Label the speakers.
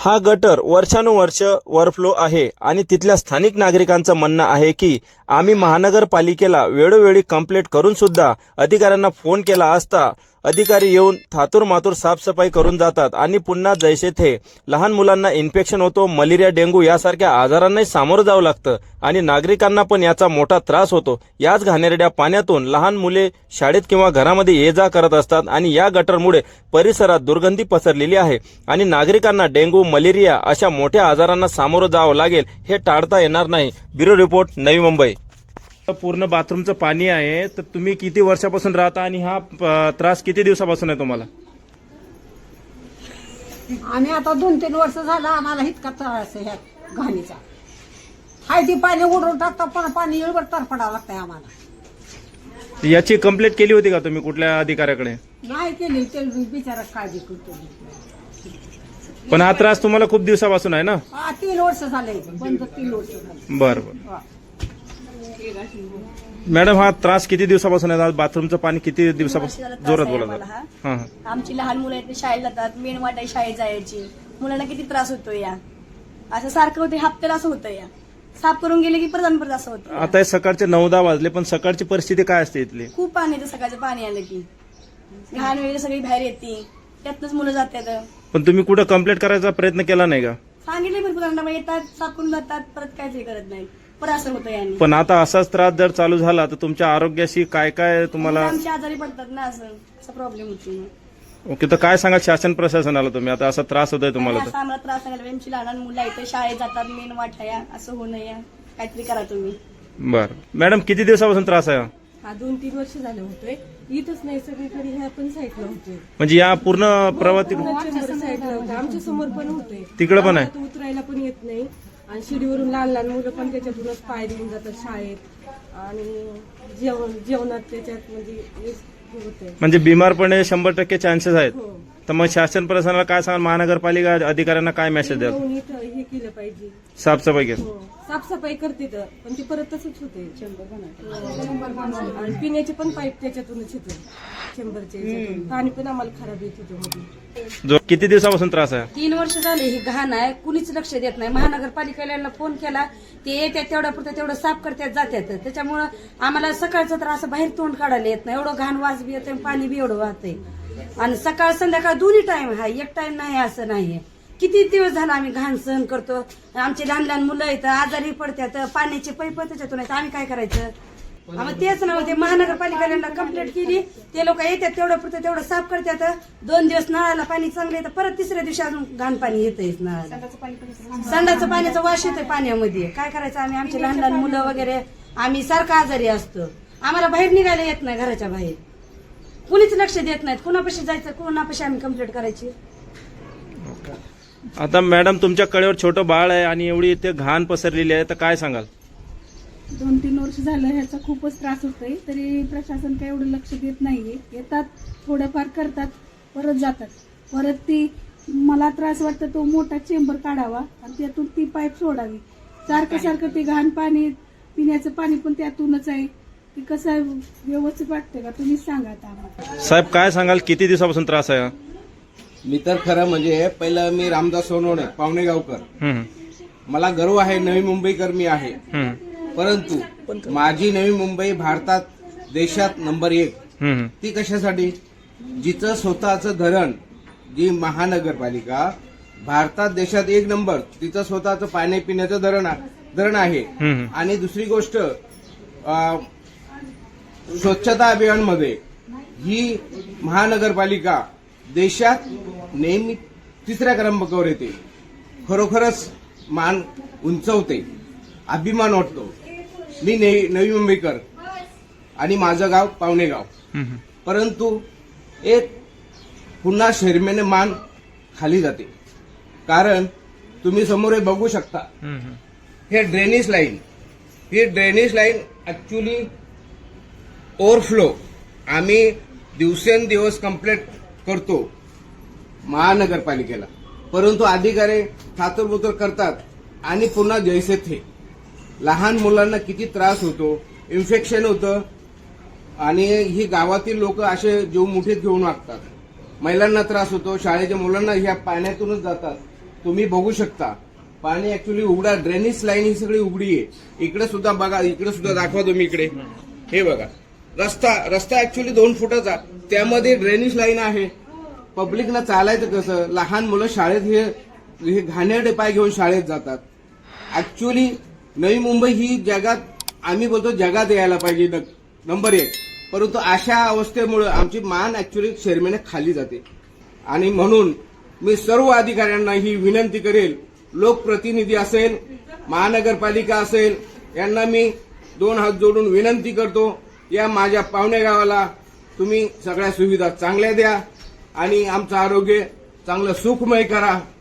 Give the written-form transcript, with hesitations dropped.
Speaker 1: हा गटर वर्षानुवर्ष ओव्हरफ्लो आहे आणि तिथल्या स्थानिक नागरिकांचं म्हणणं आहे की आम्ही महानगरपालिकेला वेळोवेळी कंप्लेंट करून सुद्धा अधिकाऱ्यांना फोन केला असता अधिकारी येऊन थातूरमातूर साफसफाई करून जातात आणि पुन्हा जैसे थे लहान मुलांना इन्फेक्शन होतो, मलेरिया, डेंग्यू यासारख्या आजारांनाही सामोरं जावं लागतं आणि नागरिकांना पण याचा मोठा त्रास होतो। याच घाणेरड्या पाण्यातून लहान मुले शाळेत किंवा घरामध्ये ये जा करत असतात आणि या गटरमुळे परिसरात दुर्गंधी पसरलेली आहे आणि नागरिकांना डेंग्यू, मलेरिया अशा मोठ्या आजारांना सामोरं जावं लागेल हे टाळता येणार नाही। ब्युरो रिपोर्ट, नवी मुंबई। पूर्ण बाथरूमचं पाणी आहे, तर तुम्ही किती वर्षापासून राहता आणि हा त्रास किती दिवसापासून आहे तुम्हाला?
Speaker 2: आम्ही आता 2-3 वर्ष झालं आम्हाला इतका त्रास आहे ह्या घाणीचा। हाय ती पाणी उडवून टाकता पण पाणी येळभर तरफडावं लागतंय आम्हाला।
Speaker 1: याची कंप्लेंट केली होती का तुम्ही कुठल्या अधिकाऱ्याकडे?
Speaker 2: नाही केली, ते बिचारा काळजी करतो।
Speaker 1: पण हा त्रास तुम्हाला खूप दिवसापासून आहे ना?
Speaker 2: 3 वर्ष झाले, बंद 3 वर्ष झाले।
Speaker 1: बरं मॅडम, हा त्रास किती दिवसापासून आहे? बाथरूमचं पाणी किती दिवसापासून? जोरात बोला।
Speaker 3: आमची लहान मुलं आहेत, शाळेत जातात, मेन वाट आहे शाळेत जायची, मुलांना किती त्रास होतो या। असं सारखं होतं, हप्त्याला असं होतं या, साफ करून गेले की परत असं होतं।
Speaker 1: आता हे सकाळचे 9-10 वाजले, पण सकाळची परिस्थिती काय असते इथली?
Speaker 3: खूप पाणी येतं, सकाळचं पाणी आलं की घाण वगैरे सगळी बाहेर येते, त्यातनंच मुलं जातात।
Speaker 1: पण तुम्ही कुठं कंप्लेंट करायचा प्रयत्न केला नाही का?
Speaker 3: सांगितले भरपूर येतात, साफ करून जातात, परत काहीच करत नाही, परत असं होतं याने।
Speaker 1: पण आता असाच त्रास जर चालू झाला तर तुमच्या आरोग्याशी काय काय तुम्हाला?
Speaker 3: आमची आजारी पडतात ना, असं प्रॉब्लेम होतो।
Speaker 1: ओके, तर काय सांगा शासन प्रशासनाला तुम्ही? आता असा त्रास होतोय तुम्हाला तर?
Speaker 3: असं आम्हाला त्रास सांगायला, आमची लहान मुलं आहेत, शाळेत जातात, मेन वाट आहे, असं होऊ नये, काहीतरी करा तुम्ही।
Speaker 1: बरं मॅडम, किती दिवसापासून त्रास आहे?
Speaker 4: हा 2-3 वर्ष झालं होतोय, इथंच नाही सगळीकडे ह्या पण साईडला होतोय,
Speaker 1: म्हणजे या पूर्ण प्रवास
Speaker 4: चेंबर साईडला होतोय, आमच्या समोर पण होतोय,
Speaker 1: तिकडे पण आहे?
Speaker 4: आम्हाला उतरायला पण येत नाही आणि शिडीवरून लहान लहान मुलं पण त्याच्यातूनच पाय देऊन जातात शाळेत आणि जेवणात त्याच्यात म्हणजे होतंय,
Speaker 1: म्हणजे बिमार पडणे 100% चान्सेस आहेत।
Speaker 4: हो,
Speaker 1: तर मग शासन प्रशासनाला काय सांगा, महानगरपालिका अधिकाऱ्यांना काय मेसेज द्याल?
Speaker 4: येऊन इथं हे केलं पाहिजे,
Speaker 1: साफसफाई केली?
Speaker 4: हो, साफसफाई करते तर पण ते परत तसंच होते, आणि पिण्याचे पण पाईप त्याच्यातूनच येते, चेंबरचे याच्यातून पाणी पण आम्हाला खराब येत होतं मध्ये।
Speaker 1: किती दिवसापासून त्रास आहे?
Speaker 5: 3 वर्ष झाले ही घाण आहे, कुणीच लक्ष देत नाही। महानगरपालिकेला फोन केला, ते येतात तेवढ्या पुरतं तेवढं साफ करतात, जातात, त्याच्यामुळं आम्हाला सकाळचं तर असं बाहेर तोंड काढायला येत नाही, एवढं घाण वास बी येते, पाणी बी एवढं वाहतंय आणि सकाळ संध्याकाळ दोन्ही टाइम आहे, एक टाइम नाही असं नाहीये। किती दिवस झाला आम्ही घाण सहन करतो, आमचे लहान लहान मुलं येतं, आजारी पडतात, पाण्याचे पैप त्याच्यातून आहेत, आम्ही काय करायचं? आम्हाला तेच नव्हते, महानगरपालिकेला कंप्लेंट केली, ते लोक येतात तेवढं पुरतं तेवढं साफ करतात, 2 दिवस नळाला पाणी चांगलं येतं, परत तिसऱ्या दिवशी अजून घाण पाणी येतंय नळाला, संडाचं पाण्याचा वास येतोय पाण्यामध्ये, काय करायचं आम्ही? आमचे लहान लहान मुलं वगैरे आम्ही सारखं आजारी असतो, आम्हाला बाहेर निघायला येत नाही, घराच्या बाहेर कुणीच लक्ष देत नाहीत, कुणापाशी जायचं, कुणापाशी आम्ही कंप्लेंट करायची?
Speaker 1: आता मॅडम, तुमच्या कडेवर छोटं बाळ आहे आणि एवढी इथे घाण पसरलेली आहे, तर काय सांगाल?
Speaker 6: 2-3 वर्ष झालं ह्याचा खूपच त्रास होतोय, तरी प्रशासन काही एवढं लक्ष देत नाहीये। येतात, थोडंफार करतात, परत जातात, परत ती मला त्रास वाटतं तो मोठा चेंबर काढावा आणि त्यातून ती पाईप सोडावी, सारखं ते घाण पाणी, पिण्याचं पाणी पण त्यातूनच आहे, ते कसं आहे, व्यवस्थित वाटतंय का? तुम्हीच सांगा आता आम्हाला।
Speaker 1: साहेब, काय सांगाल, किती दिवसापासून त्रास आहे?
Speaker 7: मी तर खरं म्हणजे पहिलं मी रामदास सोनवणे, पावणे गावकर, मला गर्व आहे, नवी मुंबईकर मी आहे, परंतु माझी नवी मुंबई भारतात, देशात नंबर 1 ती कशासाठी? जिचं स्वतःचं धरण, जी महानगरपालिका भारतात देशात 1 नंबर, तिचं स्वतःचं पाणी पिण्याचं धरण आहे। आणि दुसरी गोष्ट, स्वच्छता अभियानमध्ये ही महानगरपालिका देशात नेहमी 3ऱ्या क्रमांकावर येते, खरोखरच मान उंचवते, अभिमान वाटतो। मी नवी मुंबईकर आणि माझं गाव पावणे गाव, परंतु एक पुन्हा शर्मेने मान खाली जाते, कारण तुम्ही समोर बघू शकता, हे ड्रेनेज लाईन ऍक्च्युली ओव्हरफ्लो, आम्ही दिवसेंदिवस कंप्लेंट करतो महानगरपालिकेला, परंतु अधिकारी थातुरबुतर करतात आणि पुन्हा जैसे थे। लहान मुलांना किती त्रास होतो, इन्फेक्शन होतं आणि ही गावातील लोक असे जीव मुठीत घेऊन वागतात, महिलांना त्रास होतो, शाळेच्या मुलांना ह्या पाण्यातूनच जातात, तुम्ही बघू शकता पाणी ऍक्च्युली उघडा, ड्रेनेज लाईन ही सगळी उघडी आहे. इकडे सुद्धा बघा, इकडे सुद्धा दाखवा तुम्ही. इकडे हे बघा, रस्ता ऍक्च्युली 2 फुटाचा, त्यामध्ये ड्रेनेज लाईन आहे. पब्लिकला चालायचं कसं? लहान मुलं शाळेत हे घाणेरडे पाय घेऊन शाळेत जातात. ऍक्च्युली नवी मुंबई ही जगात, आम्ही बोलतो जगात यायला पाहिजे नंबर 1, परंतु अशा अवस्थेमुळे आमची मान ऍक्च्युली शर्मेने खाली जाते. आणि म्हणून मी सर्व अधिकाऱ्यांना ही विनंती करेल, लोकप्रतिनिधी असेल, महानगरपालिका असेल, यांना मी 2 हात जोडून विनंती करतो, या माझ्या पावणे गावाला तुम्ही सगळ्या सुविधा चांगल्या द्या आणि आमचं आरोग्य चांगलं सुखमय करा.